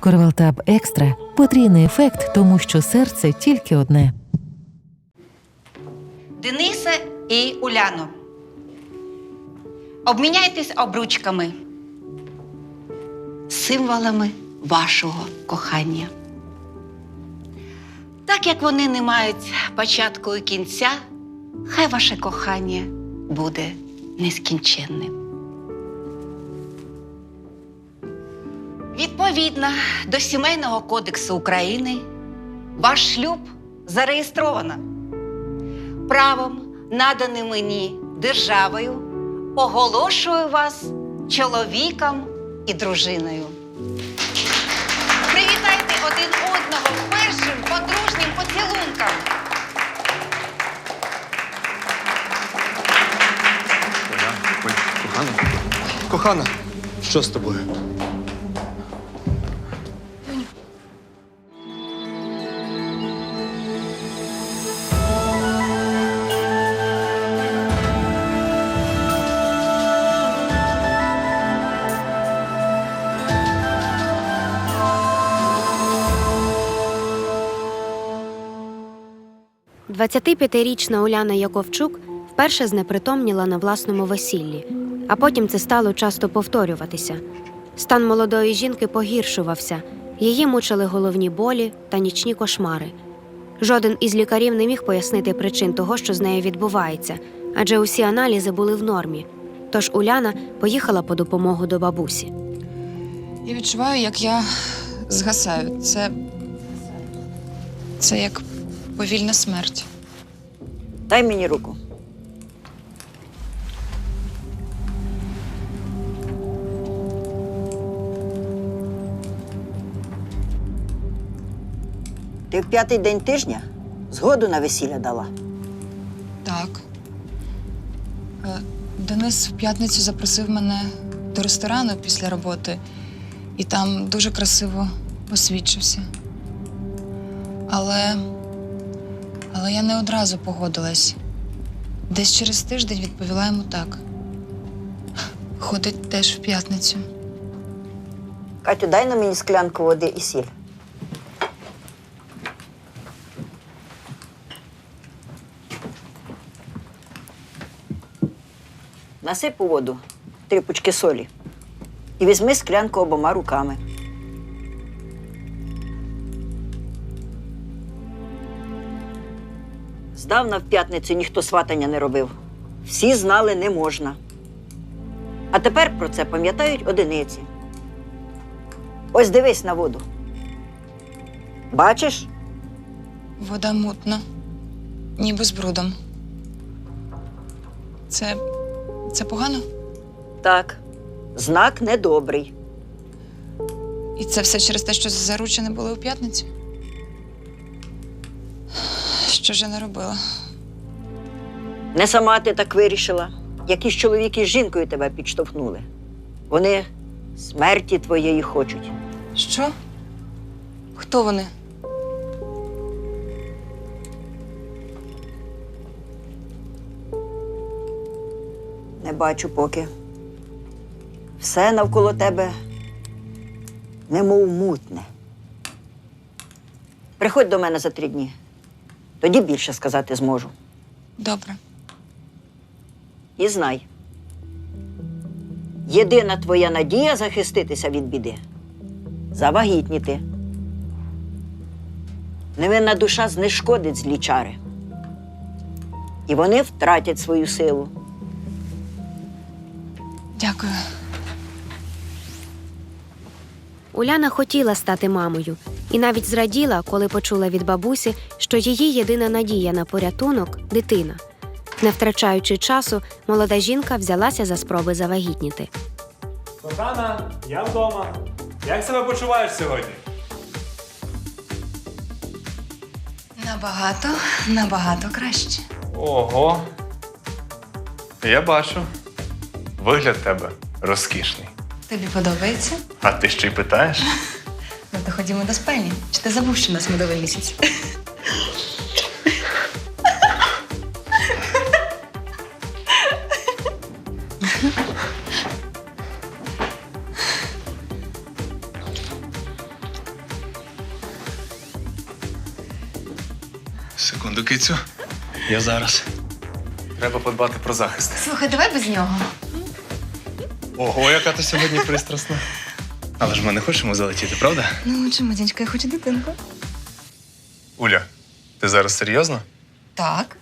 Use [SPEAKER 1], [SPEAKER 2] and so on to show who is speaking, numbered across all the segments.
[SPEAKER 1] Корвалтаб Екстра – потрійний ефект, тому що серце тільки одне.
[SPEAKER 2] Денисе і Уляно, обміняйтесь обручками, символами вашого кохання. Так як вони не мають початку і кінця, хай ваше кохання буде нескінченним. Відповідно до Сімейного кодексу України, ваш шлюб зареєстровано. Правом, наданим мені державою, оголошую вас чоловіком і дружиною. Привітайте один одного першим подружнім поцілунком.
[SPEAKER 3] Кохана? Кохана, що з тобою?
[SPEAKER 4] – 25-річна Уляна Яковчук вперше знепритомніла на власному весіллі, а потім це стало часто повторюватися. Стан молодої жінки погіршувався, її мучили головні болі та нічні кошмари. Жоден із лікарів не міг пояснити причин того, що з нею відбувається, адже усі аналізи були в нормі. Тож Уляна поїхала по допомогу до бабусі.
[SPEAKER 5] Я відчуваю, як я згасаю. Це як повільна смерть.
[SPEAKER 6] Дай мені руку. Ти в 5-й день тижня згоду на весілля дала?
[SPEAKER 5] Так. Денис в п'ятницю запросив мене до ресторану після роботи і там дуже красиво освідчився. Але я не одразу погодилась. Десь через тиждень відповіла йому так. Ходить теж в п'ятницю.
[SPEAKER 6] Катю, дай на мені склянку води і сіль. Насип у воду 3 пучки солі і візьми склянку обома руками. Здавна в п'ятницю ніхто сватання не робив. Всі знали, не можна. А тепер про це пам'ятають одиниці. Ось дивись на воду. Бачиш?
[SPEAKER 5] Вода мутна, ніби з брудом. Це погано?
[SPEAKER 6] Так. Знак недобрий.
[SPEAKER 5] І це все через те, що заручені були у п'ятницю? Що ж я не робила?
[SPEAKER 6] Не сама ти так вирішила. Якісь чоловіки з жінкою тебе підштовхнули. Вони смерті твоєї хочуть.
[SPEAKER 5] Що? Хто вони?
[SPEAKER 6] Не бачу поки. Все навколо тебе немов мутне. Приходь до мене за 3 дні. Тоді більше сказати зможу.
[SPEAKER 5] Добре.
[SPEAKER 6] І знай. Єдина твоя надія захиститися від біди – завагітніти. Невинна душа знешкодить злі чари. І вони втратять свою силу.
[SPEAKER 5] Дякую.
[SPEAKER 4] Уляна хотіла стати мамою і навіть зраділа, коли почула від бабусі, що її єдина надія на порятунок – дитина. Не втрачаючи часу, молода жінка взялася за спроби завагітніти.
[SPEAKER 7] Кохана, я вдома. Як себе почуваєш сьогодні?
[SPEAKER 5] Набагато краще.
[SPEAKER 7] Ого. Я бачу. Вигляд тебе розкішний.
[SPEAKER 5] Тобі подобається?
[SPEAKER 7] А ти ще й питаєш?
[SPEAKER 5] Ну, то ходімо до спальні. Чи ти забув, що у нас медовий місяць?
[SPEAKER 3] Секунду, кицю. Я зараз.
[SPEAKER 7] Треба подбати про захист.
[SPEAKER 5] Слухай, давай без нього.
[SPEAKER 3] Ого, яка ти сьогодні пристрасна. Але ж ми не хочемо залетіти, правда?
[SPEAKER 5] Ну, чому, дядька, я хочу дитинку.
[SPEAKER 3] Уля, ти зараз серйозно?
[SPEAKER 5] Так.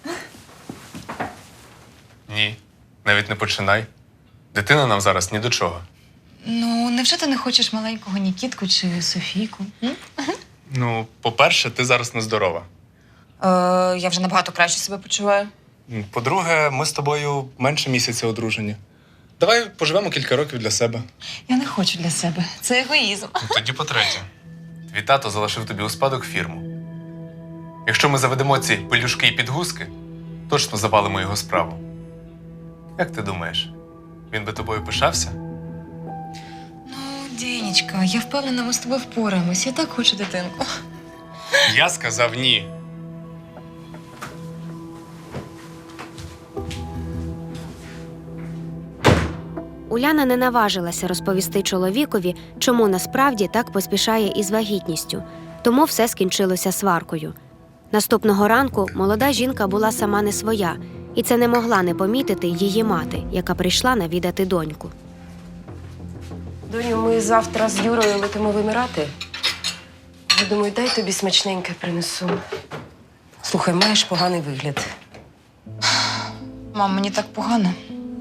[SPEAKER 7] Ні, навіть не починай. Дитина нам зараз ні до чого.
[SPEAKER 5] Ну, невже ти не хочеш маленького Нікітку чи Софійку?
[SPEAKER 3] Ну, по-перше, ти зараз нездорова.
[SPEAKER 5] Я вже набагато краще себе почуваю.
[SPEAKER 3] По-друге, ми з тобою менше місяця одружені. Давай поживемо кілька років для себе.
[SPEAKER 5] Я не хочу для себе. Це егоїзм.
[SPEAKER 3] Тоді по-третє.
[SPEAKER 7] Твій тато залишив тобі у спадок фірму. Якщо ми заведемо ці пелюшки і підгузки, точно завалимо його справу. Як ти думаєш, він би тобою пишався?
[SPEAKER 5] Ну, Денечка, я впевнена, ми з тобою впораємось. Я так хочу дитинку.
[SPEAKER 3] Я сказав ні.
[SPEAKER 4] Уляна не наважилася розповісти чоловікові, чому насправді так поспішає із вагітністю, тому все скінчилося сваркою. Наступного ранку молода жінка була сама не своя, і це не могла не помітити її мати, яка прийшла навідати доньку.
[SPEAKER 8] Доню, ми завтра з Юрою летимо в Емірати. Я думаю, дай тобі смачненьке принесу. Слухай, маєш поганий вигляд.
[SPEAKER 5] Мам, мені так погано.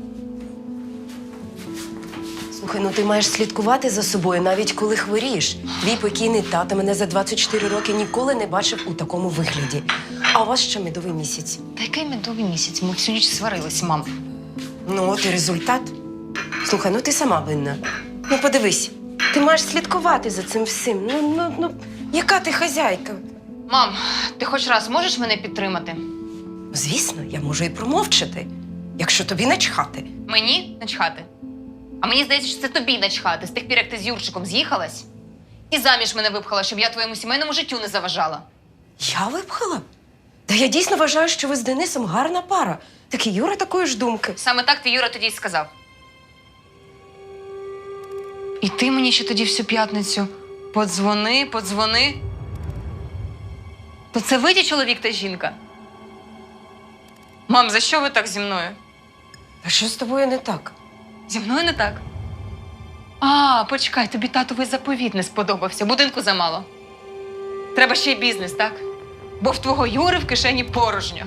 [SPEAKER 8] Слухай, ну ти маєш слідкувати за собою, навіть коли хворієш. Твій покійний тато мене за 24 роки ніколи не бачив у такому вигляді. А у вас ще медовий місяць.
[SPEAKER 5] Та який медовий місяць? Ми всю ніч сварились, мам.
[SPEAKER 8] Ну, от і результат. Слухай, ну ти сама винна. Ну подивись, ти маєш слідкувати за цим всім. Ну, яка ти хазяйка?
[SPEAKER 5] Мам, ти хоч раз можеш мене підтримати?
[SPEAKER 8] Звісно, я можу і промовчати, якщо тобі начхати.
[SPEAKER 9] Мені начхати? А мені здається, що це тобі начхати з тих пір, як ти з Юрчиком з'їхалась і заміж мене випхала, щоб я твоєму сімейному життю не заважала.
[SPEAKER 8] Я випхала? Та я дійсно вважаю, що ви з Денисом гарна пара. Так і Юра такої ж думки.
[SPEAKER 9] Саме так ти, Юра, тоді й сказав.
[SPEAKER 5] І ти мені ще тоді всю п'ятницю подзвони.
[SPEAKER 9] То це ви ті чоловік та жінка? Мам, за що ви так зі мною?
[SPEAKER 8] А що з тобою не так?
[SPEAKER 9] Зі мною не так. А, почекай, тобі татовий заповіт не сподобався, будинку замало. Треба ще й бізнес, так? Бо в твого Юри в кишені порожньо.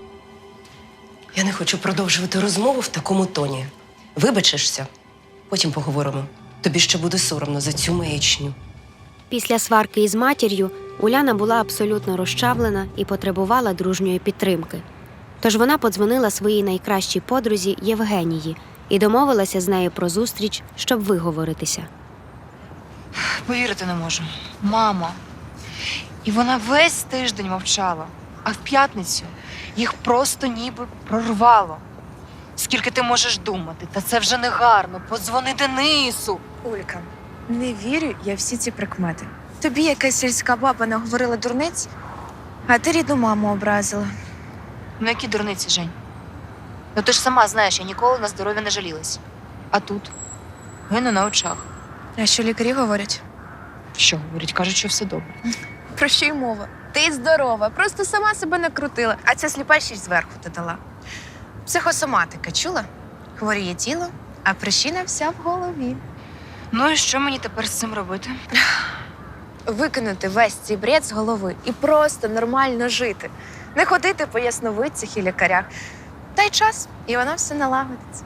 [SPEAKER 8] Я не хочу продовжувати розмову в такому тоні. Вибачишся, потім поговоримо. Тобі ще буде соромно за цю маячню.
[SPEAKER 4] Після сварки із матір'ю Уляна була абсолютно розчавлена і потребувала дружньої підтримки. Тож вона подзвонила своїй найкращій подрузі Євгенії і домовилася з нею про зустріч, щоб виговоритися.
[SPEAKER 5] Повірити не можу. Мама. І вона весь тиждень мовчала, а в п'ятницю їх просто ніби прорвало. Скільки ти можеш думати? Та це вже не гарно. Подзвони Денису.
[SPEAKER 10] Улька, не вірю я всі ці прикмети. Тобі якась сільська баба наговорила дурниць, а ти рідну маму образила.
[SPEAKER 5] Ну які дурниці, Жень? Ну ти ж сама знаєш, я ніколи на здоров'я не жалілась. А тут гину на очах.
[SPEAKER 10] А що лікарі говорять?
[SPEAKER 5] Що говорять? Кажуть, що все добре.
[SPEAKER 10] Про що й мова? Ти здорова, просто сама себе накрутила, а ця сліпа ще й зверху додала. Психосоматика, чула? Хворіє тіло, а причина вся в голові.
[SPEAKER 5] Ну і що мені тепер з цим робити?
[SPEAKER 10] Викинути весь цей бред з голови і просто нормально жити. Не ходити по ясновидцях і лікарях. Дай час, і воно все налагодиться.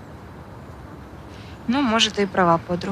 [SPEAKER 5] Ну, може, ти і права, подругу.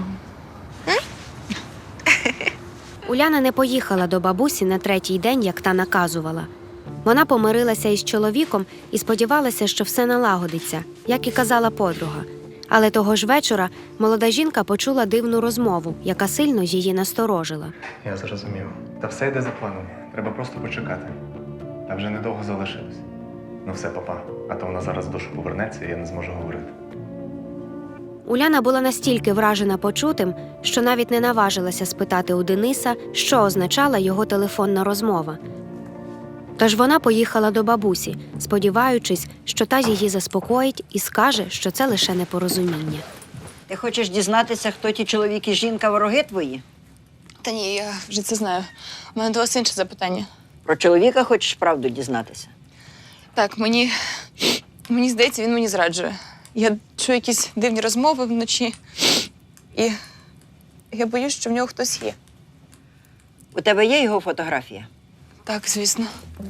[SPEAKER 4] Уляна не поїхала до бабусі на третій день, як та наказувала. Вона помирилася із чоловіком і сподівалася, що все налагодиться, як і казала подруга. Але того ж вечора молода жінка почула дивну розмову, яка сильно її насторожила.
[SPEAKER 3] Я зрозумів. Та все йде за планом. Треба просто почекати. Та вже недовго залишилось. Ну все, папа. А то вона зараз в душу повернеться, і я не зможу говорити.
[SPEAKER 4] Уляна була настільки вражена почутим, що навіть не наважилася спитати у Дениса, що означала його телефонна розмова. Тож вона поїхала до бабусі, сподіваючись, що та її заспокоїть і скаже, що це лише непорозуміння.
[SPEAKER 6] Ти хочеш дізнатися, хто ті чоловік і жінка вороги твої?
[SPEAKER 5] Та ні, я вже це знаю. У мене до вас інше запитання.
[SPEAKER 6] Про чоловіка хочеш правду дізнатися?
[SPEAKER 5] Так, мені здається, він мені зраджує. Я чую якісь дивні розмови вночі. І я боюсь, що в нього хтось є.
[SPEAKER 6] У тебе є його фотографія?
[SPEAKER 5] Так, звісно.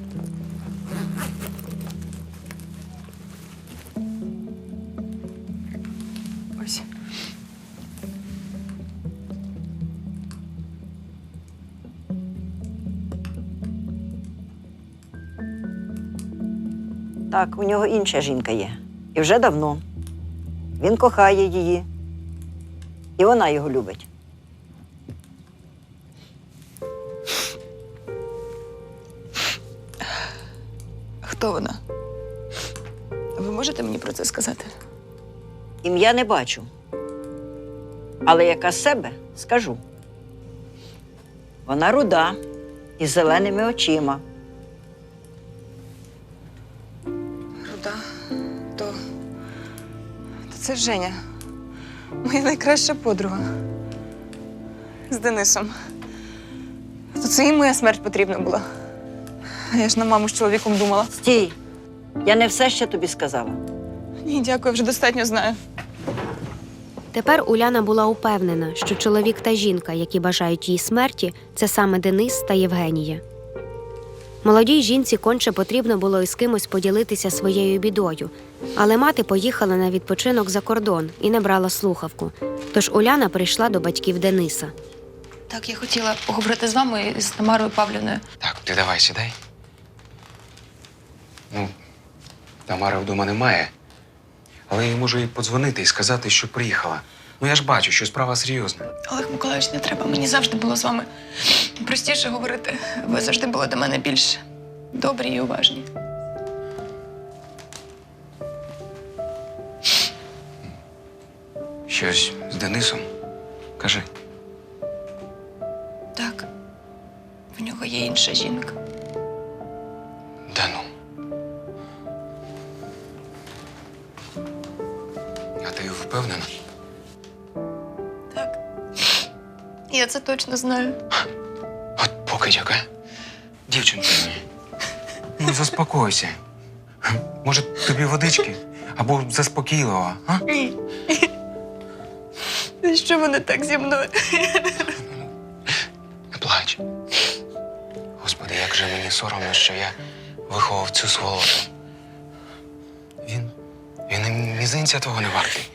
[SPEAKER 5] Ось.
[SPEAKER 6] Так, у нього інша жінка є. І вже давно. Він кохає її. І вона його любить.
[SPEAKER 5] Хто вона? Ви можете мені про це сказати?
[SPEAKER 6] Ім'я не бачу. Але яка з себе, скажу. Вона руда, із зеленими очима.
[SPEAKER 5] Руда. То це Женя. Моя найкраща подруга. З Денисом. То це їм моя смерть потрібна була. А я ж на маму з чоловіком думала.
[SPEAKER 6] Стій! Я не все ще тобі сказала.
[SPEAKER 5] Ні, дякую, вже достатньо знаю.
[SPEAKER 4] Тепер Уляна була упевнена, що чоловік та жінка, які бажають їй смерті, це саме Денис та Євгенія. Молодій жінці конче потрібно було із кимось поділитися своєю бідою, але мати поїхала на відпочинок за кордон і не брала слухавку. Тож Уляна прийшла до батьків Дениса.
[SPEAKER 9] Так, я хотіла поговорити з вами і з Тамарою Павлівною.
[SPEAKER 11] Так, ти давай сідай. Ну, Тамари вдома немає. Але я можу їй подзвонити і сказати, що приїхала. Ну я ж бачу, що справа серйозна.
[SPEAKER 9] Олег Миколаївич, не треба. Мені завжди було з вами простіше говорити. Ви завжди були до мене більш добрі і уважні.
[SPEAKER 11] Щось з Денисом? Кажи.
[SPEAKER 9] Так, в нього є інша жінка.
[SPEAKER 11] Да ну. А ти впевнена?
[SPEAKER 9] Так. Я це точно знаю.
[SPEAKER 11] От покидьок, а? Дівчинко, ну заспокойся. Може, тобі водички? Або заспокійливо, а?
[SPEAKER 9] Ні. Що вони так зі мною?
[SPEAKER 11] Не плач. Господи, як же мені соромно, що я виховав цю сволоту. Він і мізинця твого не вартий.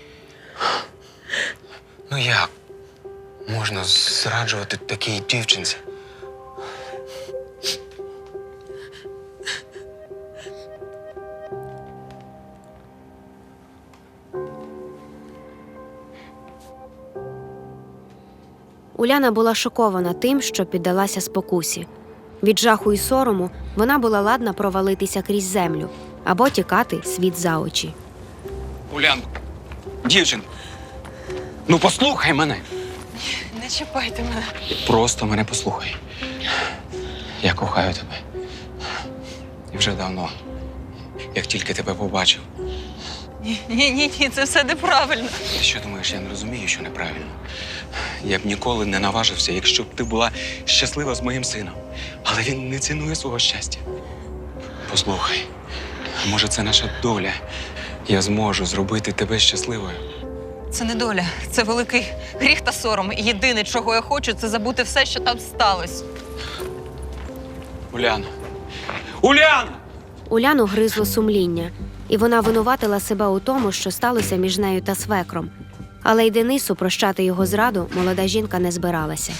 [SPEAKER 11] Ну як можна зраджувати такій дівчинці?
[SPEAKER 4] Уляна була шокована тим, що піддалася спокусі. Від жаху і сорому вона була ладна провалитися крізь землю або тікати світ за очі.
[SPEAKER 11] Улянко, дівчинко, ну послухай мене.
[SPEAKER 9] Не чіпайте мене.
[SPEAKER 11] Просто мене послухай. Я кохаю тебе. І вже давно, як тільки тебе побачив.
[SPEAKER 9] Ні, це все неправильно.
[SPEAKER 11] Ти що думаєш, я не розумію, що неправильно? Я б ніколи не наважився, якщо б ти була щаслива з моїм сином. Але він не цінує свого щастя. Послухай, може, це наша доля. Я зможу зробити тебе щасливою.
[SPEAKER 9] Це не доля, це великий гріх та сором. І єдине, чого я хочу, це забути все, що там сталося.
[SPEAKER 11] Уляна! Уляна!
[SPEAKER 4] Уляну гризло сумління, і вона винуватила себе у тому, що сталося між нею та свекром. Але й Денису прощати його зраду молода жінка не збиралася.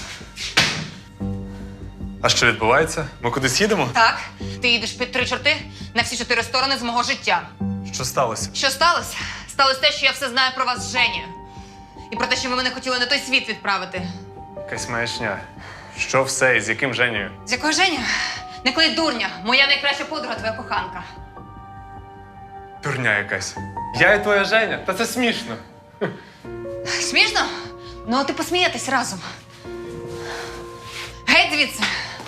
[SPEAKER 7] А що відбувається? Ми кудись їдемо?
[SPEAKER 9] Так, ти їдеш під 3 чорти на всі 4 сторони з мого життя.
[SPEAKER 7] Що сталося?
[SPEAKER 9] Що сталося? Сталося те, що я все знаю про вас з Женєю. І про те, що ви мене хотіли на той світ відправити.
[SPEAKER 3] Якась маячня. Що все і з яким Женєю?
[SPEAKER 9] З якою Женя? Не клей дурня, моя найкраща подруга, твоя коханка.
[SPEAKER 3] Дурня якась. Я і твоя Женя? Та це смішно.
[SPEAKER 9] Смішно? Ну, от і посмієтесь разом. Геть звідси.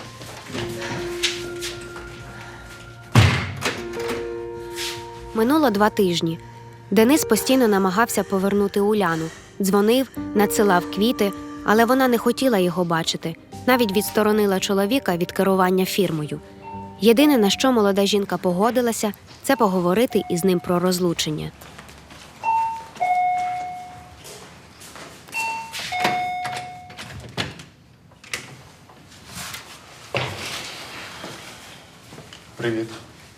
[SPEAKER 4] Минуло 2 тижні. Денис постійно намагався повернути Уляну. Дзвонив, надсилав квіти, але вона не хотіла його бачити. Навіть відсторонила чоловіка від керування фірмою. Єдине, на що молода жінка погодилася, це поговорити із ним про розлучення.
[SPEAKER 7] Привіт.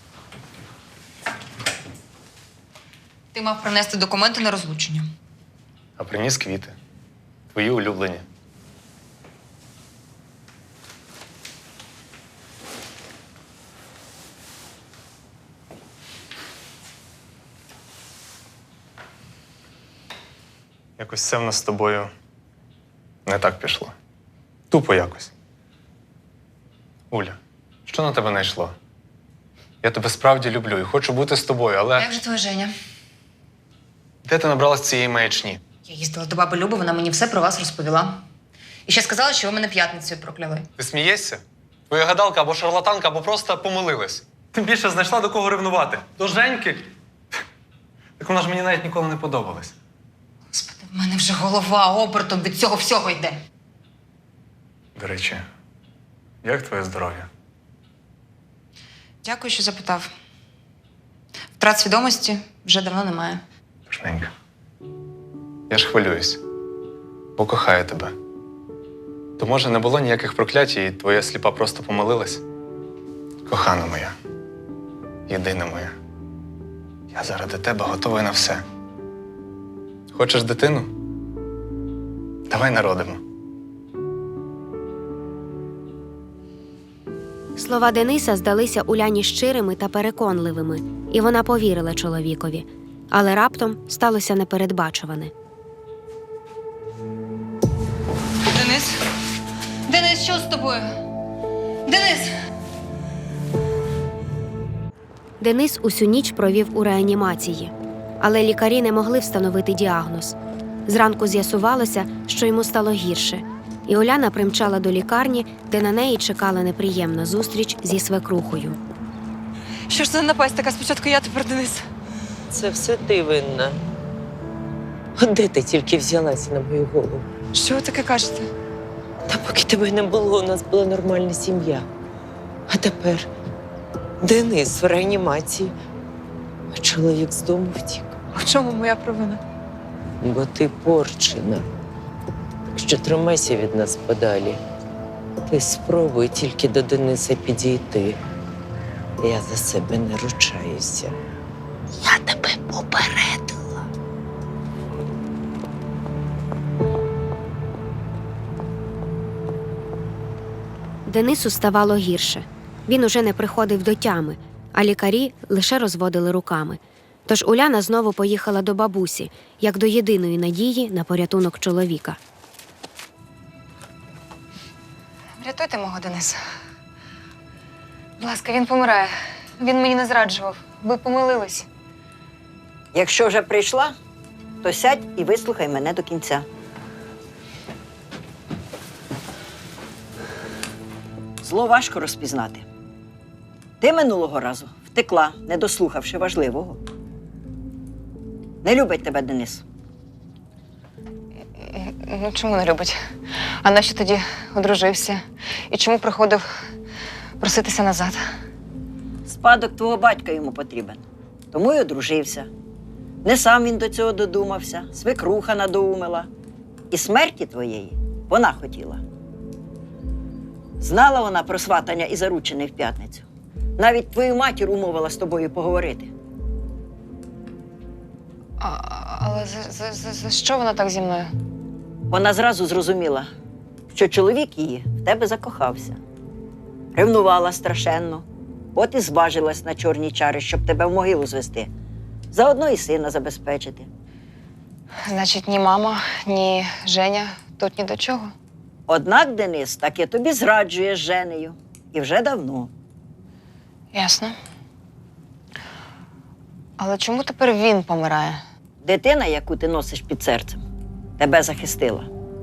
[SPEAKER 5] Ти мав принести документи на розлучення.
[SPEAKER 7] А приніс квіти. Твої улюблені. Якось все в нас з тобою не так пішло. Тупо якось. Уля, що на тебе найшло? Я тебе справді люблю і хочу бути з тобою, але
[SPEAKER 5] Як же твоя Женя?
[SPEAKER 7] де ти набралась цієї маячні?
[SPEAKER 5] Я їздила до баби Люби, вона мені все про вас розповіла. І ще сказала, що ви мене п'ятницею прокляли.
[SPEAKER 7] Ти смієшся? Твоя гадалка або шарлатанка, або просто помилилась. Тим більше знайшла до кого ревнувати. До Женьки. Так вона ж мені навіть ніколи не подобалась.
[SPEAKER 5] Господи, в мене вже голова обертом від цього всього йде.
[SPEAKER 7] До речі, як твоє здоров'я?
[SPEAKER 5] Дякую, що запитав. Втрат свідомості вже давно немає.
[SPEAKER 7] Пишненька. Я ж хвилююсь, бо кохаю тебе. То, може, не було ніяких проклять, і твоя сліпа просто помилилась? Кохана моя, єдина моя, я заради тебе готовий на все. Хочеш дитину? Давай народимо.
[SPEAKER 4] Слова Дениса здалися Уляні щирими та переконливими, і вона повірила чоловікові. Але раптом сталося непередбачуване.
[SPEAKER 5] Денис? Денис, що з тобою? Денис!
[SPEAKER 4] Денис усю ніч провів у реанімації, але лікарі не могли встановити діагноз. Зранку з'ясувалося, що йому стало гірше, і Уляна примчала до лікарні, де на неї чекала неприємна зустріч зі свекрухою.
[SPEAKER 5] Що ж це за напасть така? Спочатку я, тепер Денис.
[SPEAKER 12] Це все ти винна. От де ти тільки взялася на мою голову?
[SPEAKER 5] Що ви таке кажете?
[SPEAKER 12] Та поки тебе не було, у нас була нормальна сім'я. А тепер Денис в реанімації, а чоловік з дому втік.
[SPEAKER 5] В чому моя провина?
[SPEAKER 12] Бо ти порчена. Так що тримайся від нас подалі. Ти спробуй тільки до Дениса підійти. Я за себе не ручаюся. Я тебе попередила.
[SPEAKER 4] Денису ставало гірше. Він уже не приходив до тями, а лікарі лише розводили руками. Тож Уляна знову поїхала до бабусі, як до єдиної надії на порятунок чоловіка.
[SPEAKER 5] Врятуйте мого Дениса. Будь ласка, він помирає. Він мені не зраджував. Ви помилились.
[SPEAKER 6] Якщо вже прийшла, то сядь і вислухай мене до кінця. Зло важко розпізнати. Ти минулого разу втекла, не дослухавши важливого. Не любить тебе Денис.
[SPEAKER 5] Ну, чому не любить? А нащо тоді одружився? І чому приходив проситися назад?
[SPEAKER 6] Спадок твого батька йому потрібен. Тому й одружився. Не сам він до цього додумався, свекруха надоумила. І смерті твоєї вона хотіла. Знала вона про сватання і заручини в п'ятницю. Навіть твою матір умовила з тобою поговорити.
[SPEAKER 5] Але за що вона так зі мною?
[SPEAKER 6] Вона зразу зрозуміла, що чоловік її в тебе закохався. Ревнувала страшенно, от і зважилась на чорні чари, щоб тебе в могилу звести. Заодно і сина забезпечити.
[SPEAKER 5] Значить, ні мама, ні Женя тут ні до чого.
[SPEAKER 6] Однак Денис таки тобі зраджує з Женею. І вже давно.
[SPEAKER 5] Ясно. Але чому тепер він помирає?
[SPEAKER 6] Дитина, яку ти носиш під серцем, тебе захистила.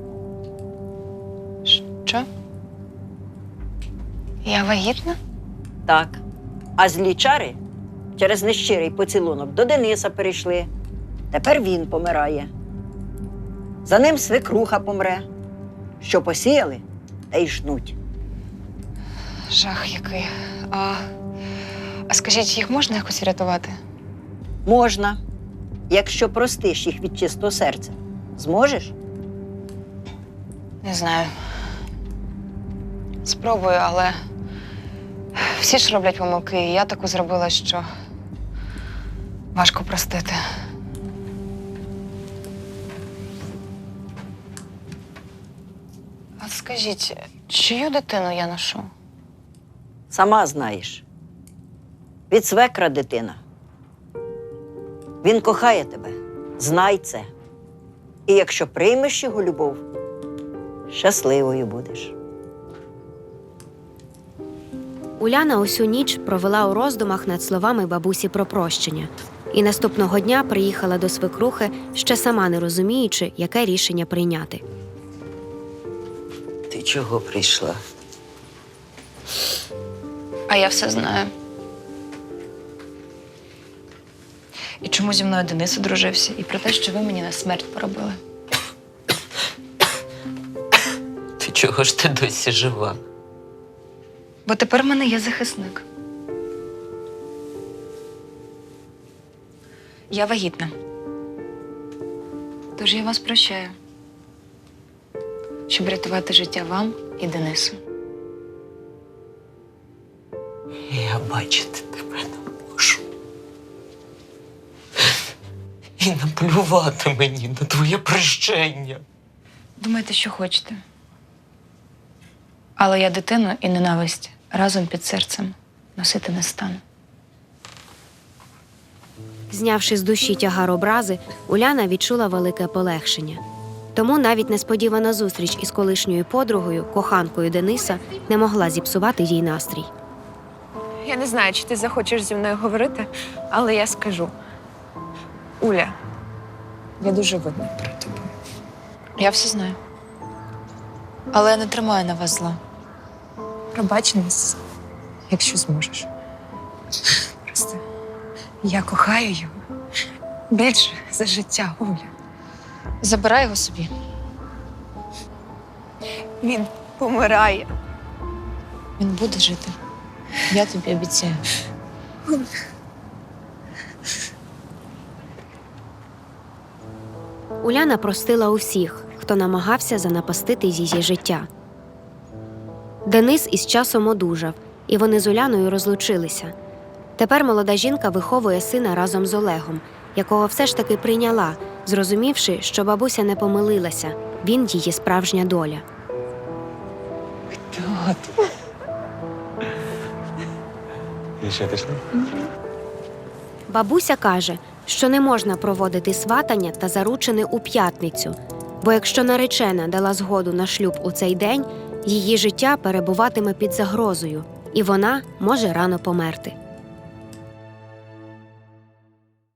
[SPEAKER 5] Що? Я вагітна?
[SPEAKER 6] Так. А злі чари через нещирий поцілунок до Дениса перейшли. Тепер він помирає. За ним свекруха помре. Що посіяли, те й жнуть.
[SPEAKER 5] Жах який. А скажіть, їх можна якось врятувати?
[SPEAKER 6] Можна, якщо простиш їх від чистого серця. Зможеш?
[SPEAKER 5] Не знаю. Спробую, але всі ж роблять помилки, і я таку зробила, що важко простити. А скажіть, чию дитину я ношу?
[SPEAKER 6] Сама знаєш. Від свекра дитина. Він кохає тебе. Знай це. І якщо приймеш його любов, щасливою будеш.
[SPEAKER 4] Уляна усю ніч провела у роздумах над словами бабусі про прощення. І наступного дня приїхала до свекрухи, ще сама не розуміючи, яке рішення прийняти.
[SPEAKER 12] Ти чого прийшла?
[SPEAKER 5] А я все знаю. І чому зі мною Денис одружився, і про те, що ви мені на смерть поробили.
[SPEAKER 12] Ти чого ж ти досі жива?
[SPEAKER 5] Бо тепер в мене є захисник. Я вагітна. Тож я вас прощаю. Щоб рятувати життя вам і Денису.
[SPEAKER 12] Я бачити тебе не можу. І наплювати мені на твоє прощення.
[SPEAKER 5] Думайте, що хочете. Але я дитину і ненависть разом під серцем носити не стану.
[SPEAKER 4] Знявши з душі тягар образи, Уляна відчула велике полегшення. Тому навіть несподівана зустріч із колишньою подругою, коханкою Дениса, не могла зіпсувати їй настрій.
[SPEAKER 10] Я не знаю, чи ти захочеш зі мною говорити, але я скажу. Уля, я дуже винна перед тобою.
[SPEAKER 5] Я все знаю. Але я не тримаю на вас зла.
[SPEAKER 10] Пробач нас, якщо зможеш. Просто я кохаю його більше за життя, Уля.
[SPEAKER 5] Забирай його собі.
[SPEAKER 10] Він помирає.
[SPEAKER 5] Він буде жити. Я тобі обіцяю.
[SPEAKER 4] Уляна простила усіх, хто намагався занапастити її життя. Денис із часом одужав, і вони з Уляною розлучилися. Тепер молода жінка виховує сина разом з Олегом, якого все ж таки прийняла, зрозумівши, що бабуся не помилилася, він її справжня доля.
[SPEAKER 11] І що пішли?
[SPEAKER 4] Бабуся каже, що не можна проводити сватання та заручини у п'ятницю, бо якщо наречена дала згоду на шлюб у цей день, її життя перебуватиме під загрозою, і вона може рано померти.